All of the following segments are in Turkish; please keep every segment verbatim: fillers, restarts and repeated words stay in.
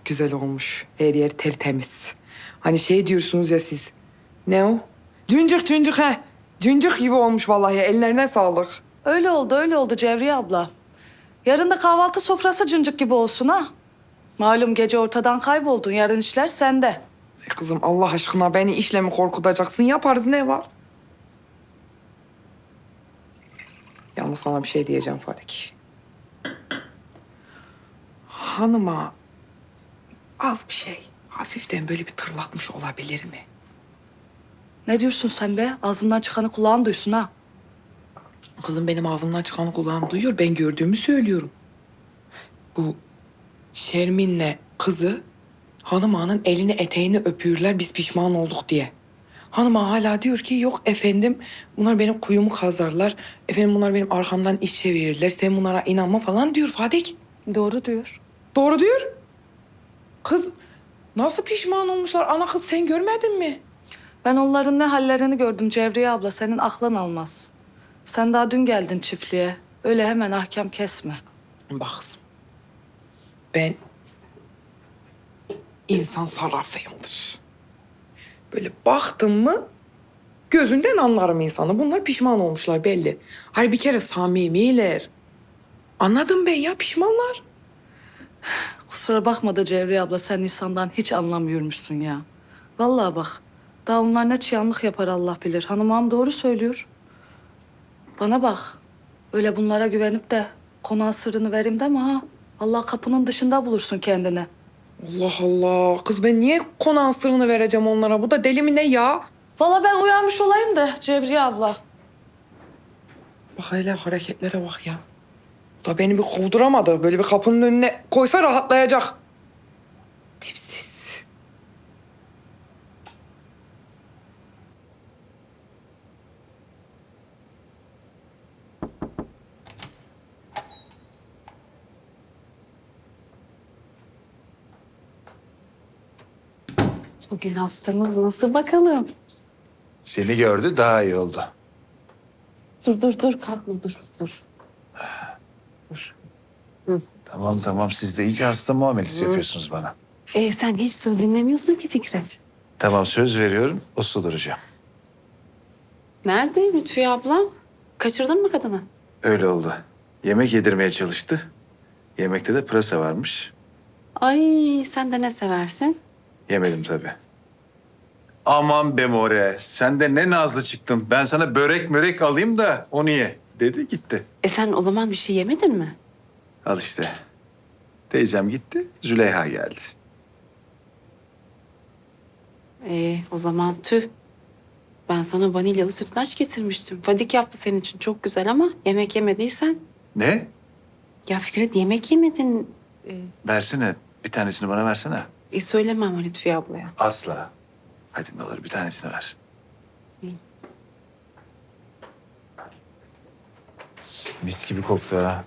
güzel olmuş. Her yer tertemiz. Hani şey diyorsunuz ya siz. Ne o? Cüncük cüncük he. Cüncük gibi olmuş vallahi. Ellerine sağlık. Öyle oldu, öyle oldu Cevriye abla. Yarın da kahvaltı sofrası cıncık gibi olsun ha. Malum gece ortadan kayboldun, yarın işler sende. E kızım Allah aşkına beni işle mi korkutacaksın? Yaparız ne var? Yalnız sana bir şey diyeceğim Fadik. Hanıma az bir şey, hafiften böyle bir tırlatmış olabilir mi? Ne diyorsun sen be? Ağzından çıkanı kulağın duysun ha. Kızım benim ağzımdan çıkanı kulağım duyuyor. Ben gördüğümü söylüyorum. Bu Şermin'le kızı hanım ağanın elini eteğini öpüyorlar biz pişman olduk diye. Hanım ağa hala diyor ki yok efendim bunlar benim kuyumu kazarlar. Efendim bunlar benim arkamdan iş çevirirler. Sen bunlara inanma falan diyor Fadik. Doğru diyor. Doğru diyor. Kız nasıl pişman olmuşlar? Ana kız sen görmedin mi? Ben onların ne hallerini gördüm Cevriye abla, senin aklın almaz. Sen daha dün geldin çiftliğe. Öyle hemen ahkam kesme. Bak kızım. Ben insan sarrafıyımdır. Böyle baktım mı gözünden anlarım insanı. Bunlar pişman olmuşlar belli. Hayır bir kere samimiler. Anladım ben ya pişmanlar. Kusura bakma da Cevriye abla, sen insandan hiç anlamıyormuşsun ya. Vallahi bak, daha onlar ne çıyanlık yapar Allah bilir. Hanım ağam doğru söylüyor. Bana bak, öyle bunlara güvenip de konağın sırrını vereyim deme ha. Allah kapının dışında bulursun kendini. Allah Allah. Kız ben niye konağın sırrını vereceğim onlara? Bu da deli mi ne ya? Vallahi ben uyanmış olayım da Cevriye abla. Bak hele hareketlere bak ya. Da beni bir kovduramadı. Böyle bir kapının önüne koysa rahatlayacak. Tipsiz. Bugün hastamız nasıl bakalım? Seni gördü daha iyi oldu. Dur dur dur kalkma dur dur. Tamam tamam siz de iyice hasta muamelesi yapıyorsunuz bana. Ee, sen hiç söz dinlemiyorsun ki Fikret. Tamam söz veriyorum uslu duracağım. Nerede Lütfiye abla? Kaçırdın mı kadını? Öyle oldu. Yemek yedirmeye çalıştı. Yemekte de pırasa varmış. Ay sen de ne seversin? Yemedim tabii. Aman be more sen de ne nazlı çıktın. Ben sana börek mörek alayım da onu ye dedi gitti. E sen o zaman bir şey yemedin mi? Al işte. Teyzem gitti Züleyha geldi. Ee, o zaman tüh. Ben sana vanilyalı sütlaç getirmiştim. Fadik yaptı senin için çok güzel ama yemek yemediysen. Ne? Ya Fikret yemek yemedin. Ee, Versene bir tanesini bana versene. e, söyleme ama Lütfiye ablaya. Asla. Hadi ne olur bir tanesini ver. Mis gibi koktu ha.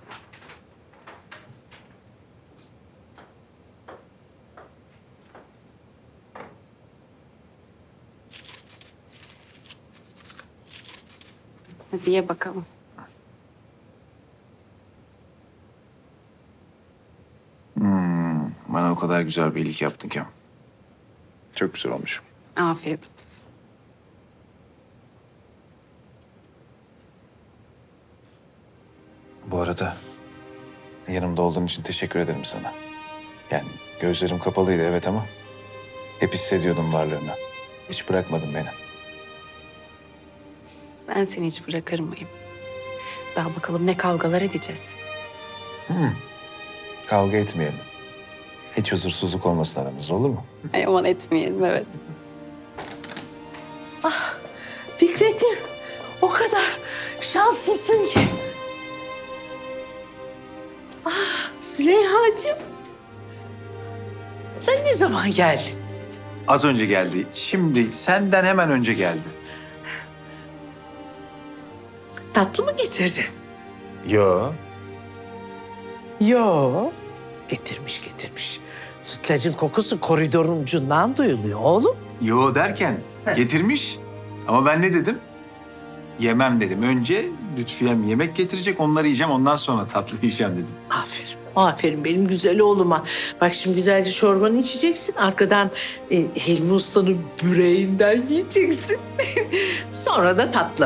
Hadi ye bakalım. Hmm, bana o kadar güzel bir iyilik yaptın ki. Çok güzel olmuş. Afiyet olsun. Bu arada yanımda olduğun için teşekkür ederim sana. Yani gözlerim kapalıydı evet ama hep hissediyordum varlığını. Hiç bırakmadın beni. Ben seni hiç bırakır mıyım? Daha bakalım ne kavgalar edeceğiz. Hmm. Kavga etmeyelim. Hiç huzursuzluk olmasın aramızda olur mu? Ay aman etmeyelim evet. Fikret'im, o kadar şanslısın ki. Ah, Züleyha'cığım. Sen ne zaman geldin? Az önce geldi. Şimdi senden hemen önce geldi. Tatlı mı getirdin? Yo. Yo. Getirmiş getirmiş. Sütlacın kokusu koridorun ucundan duyuluyor oğlum. Yo derken getirmiş. Ama ben ne dedim? Yemem dedim. Önce Lütfiyem yemek getirecek onları yiyeceğim ondan sonra tatlı yiyeceğim dedim. Aferin. Aferin benim güzel oğluma. Bak şimdi güzelce çorbanı içeceksin. Arkadan e, Hilmi Usta'nın büreğinden yiyeceksin. Sonra da tatlı.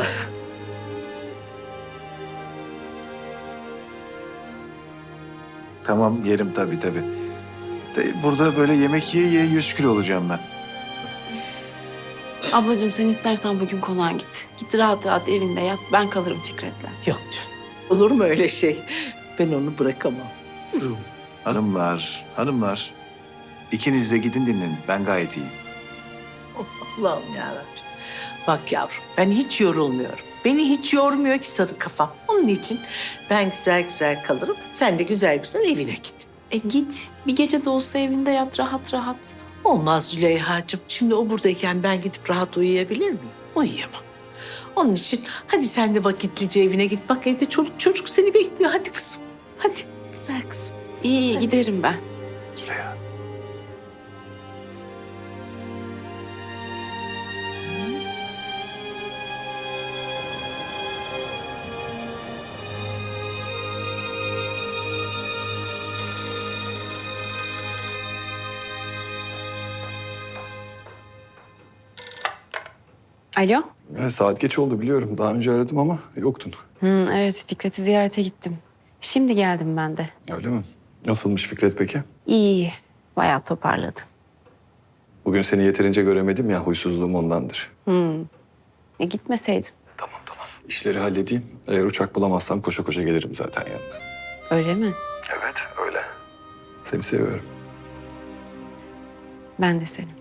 Tamam yerim tabii tabii. De, burada böyle yemek yiye yiye yüz kilo olacağım ben. Ablacığım sen istersen bugün konağa git. Git rahat rahat evinde yat. Ben kalırım Fikret'le. Yok canım. Olur mu öyle şey? Ben onu bırakamam. Yürü. Hanımlar, hanımlar. İkiniz de gidin dinlenin. Ben gayet iyiyim. Allah'ım yarabbim. Bak yavrum ben hiç yorulmuyorum. Beni hiç yormuyor ki sarı kafam. Onun için ben güzel güzel kalırım. Sen de güzel güzel evine git. E git. Bir gece de olsa evinde yat rahat rahat. Olmaz Züleyha'cığım. Şimdi o buradayken ben gidip rahat uyuyabilir miyim? Uyuyamam. Onun için hadi sen de vakitlice evine git. Bak evde çoluk çocuk seni bekliyor. Hadi kızım. Hadi. Güzel kızım. İyi iyi giderim ben. Süreyya. Alo. Ya saat geç oldu biliyorum. Daha önce aradım ama yoktun. Hı, evet, Fikret'i ziyarete gittim. Şimdi geldim ben de. Öyle mi? Nasılmış Fikret peki? İyi, iyi. Bayağı toparladı. Bugün seni yeterince göremedim ya, huysuzluğum ondandır. Hı. E gitmeseydin. İşleri halledeyim. Eğer uçak bulamazsam koşa koşa gelirim zaten yanına. Öyle mi? Evet, öyle. Seni seviyorum. Ben de seni.